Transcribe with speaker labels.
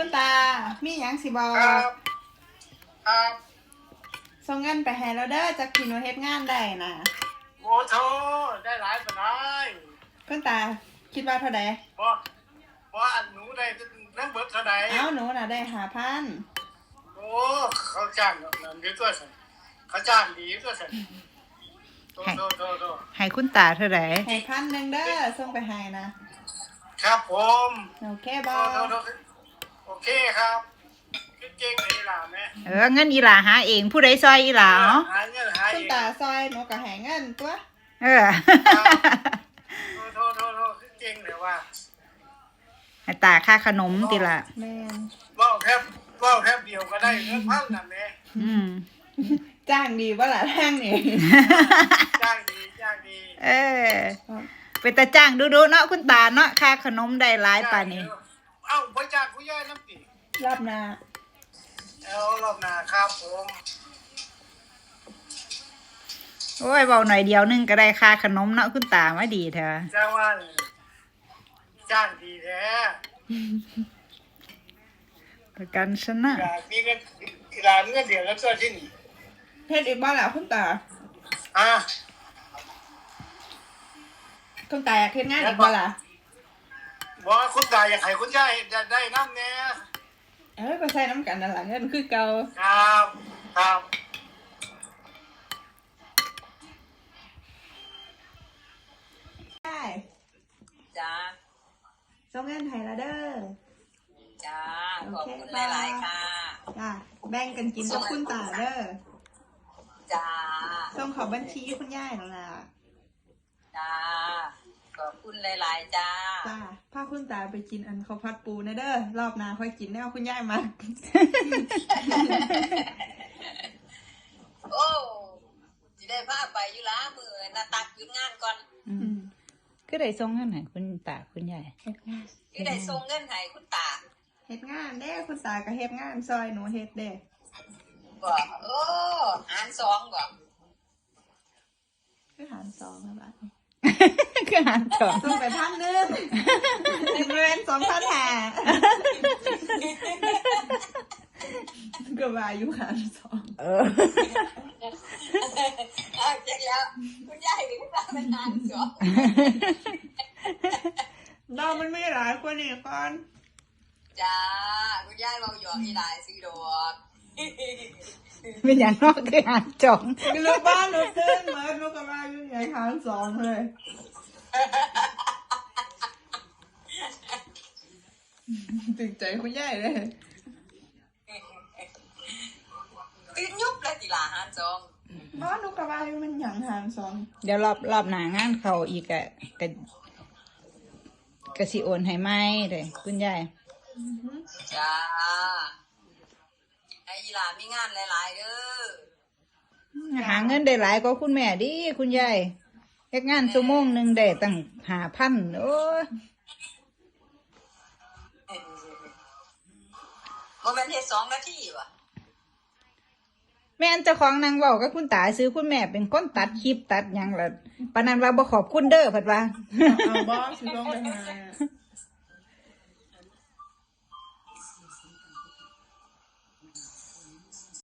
Speaker 1: คุณตามีหยังสิบอก
Speaker 2: ครับครับ
Speaker 1: ส่งเงินไปให้เราเด้อจากที่หนูเฮ็ดงานได้นะ
Speaker 2: โอ้โธ่ได้หลายปานใด
Speaker 1: คุณตาคิดว่าเท่าใด
Speaker 2: บ่อันหนูได้ทั้งเบิดเท่าใด
Speaker 1: เอ้าหนูน่ะได้5,000
Speaker 2: โอ้เขาจ้างนั่นดีตัวซั่นเขาจ้างดีตัวซั่นโต
Speaker 3: ให้คุณตาเท่าไหร่
Speaker 1: ให้1,000เด้อส่งไปให้นะครับ
Speaker 2: ผม
Speaker 1: โอเคบ่
Speaker 2: โอเคครับเก่งเลยล่ะแม่
Speaker 3: เงินอีหลาหาเองผู้ใดซอยอีหลาเนาะ
Speaker 2: หาเงินหาเอ
Speaker 1: คุณ
Speaker 2: ง
Speaker 1: ตาซอยหนูก็ให้เงินตัว
Speaker 3: โ
Speaker 2: ทเก่งเลยว่า
Speaker 3: ให้ตาค่าขนมติละ
Speaker 1: แม่น
Speaker 2: ว้าวแทบเดียวก็ได้เงินพันน่ะแม่
Speaker 1: จ้างดีบ่ล่ะทางนี่
Speaker 2: จ้างดี
Speaker 3: เป็นตาจ้างดูเนาะคุณตาเนาะค่าขนมได้หลายป่านนี้
Speaker 2: เอ้าบ่จ้างผู้ใหญ่น้ำติ
Speaker 1: รอบหน้า
Speaker 2: เอารอบหน้าครับผม
Speaker 3: โอ้ยเบาหน่อยเดียวนึงก็ได้ค่าขนมเนาะคุณตามาดีเถอะ
Speaker 2: จ้างว่าจ้างดีแท้
Speaker 3: ประกันชนะ
Speaker 2: อยากมีเงินร้านเงินเดือนแล้วก็ที่นี่
Speaker 1: เฮ็ดอีกบ่ล่ะคุณตาคุณตาอยากเฮ็ดงานอีกบ่ล่ะ
Speaker 2: บอกคุณตาอยากให้คุณยายได้น้ำแน่
Speaker 1: ก็ใช้น้ำกันนั่นล่ะเงินคือเก่า
Speaker 2: ครับ
Speaker 1: ได้
Speaker 4: จ้า
Speaker 1: ส่งเงินให้ละเด้อ
Speaker 4: จ้าขอบคุณหลายๆค่ะ
Speaker 1: จ้าแบ่งกันกินกับคุณตาเด้อ
Speaker 4: จ้า
Speaker 1: ส่งขอบัญชีคุณยายนั่นล่ะ
Speaker 4: จ้าขอบคุณหลายๆจ้า
Speaker 1: พาคุณตาไปกินอันข้าวผัดปูนะเด้อรอบหน้าค่อยกินแนวคุณยายมา
Speaker 4: โอ้สิได้พาไปอยู่ละมื้อน่ะตักหยุดงานก่อน
Speaker 3: ก็ได้ส่งเงินให้คุณตาคุณยาย
Speaker 1: เฮ็ดงาน
Speaker 4: ก็ได้ส่งเงินให้คุณตา
Speaker 1: เฮ็ดงานเด้คุณตาก็เฮ็ดงานซอยหนูเฮ็ดเด้
Speaker 4: บ่โอ้หาร2บ่
Speaker 1: คือหาร2นะบัด
Speaker 3: คือหาร2
Speaker 1: ส่งไป1,000เงิน2,500ก็ว่าอยู่หาร2
Speaker 4: เจ๊แล้วคุณยายหรือคุณตาเป็นหาร2
Speaker 1: เรามันไม่หลายคนนี่ก่อน
Speaker 4: จ้าคุณยายเว้าหยอกอีหลายสิดอก
Speaker 3: เป็นอย่างนอกคือหาร2
Speaker 1: ลูกบ้านลูกเต้นเหมือนลูกกับว่าอยู่ใหญ่หาร2เลยตึงใจคุณยายเลย
Speaker 4: ตื่นยุบเลยติลาหาร2
Speaker 1: บ้านลูกกับว่าอยู่มันหยังหาร2
Speaker 3: เดี๋ยวรอบหน้างานเขาอีกกะสิโอนให้ไหมเลยคุณยาย
Speaker 4: จ้าไอ้หลามีงานหลายๆเด้
Speaker 3: อหาเงินได้หลายก็คุณแม่ดิคุณยายเฮ็ดงานชั่วโมงนึงได้ตั้ง5,000โอ้ย
Speaker 4: บ่แม่นเฮ็ด2 นาทีว่ะ
Speaker 3: แม่นเจ้าของนางเว้ากับคุณตาซื้อคุณแม่เป็นคนตัดคลิปตัดหยังล่ะปานนั้นว่าบ่ขอบคุณเด้อเพิ่นว่า
Speaker 1: เอาบ่สิลงไปหา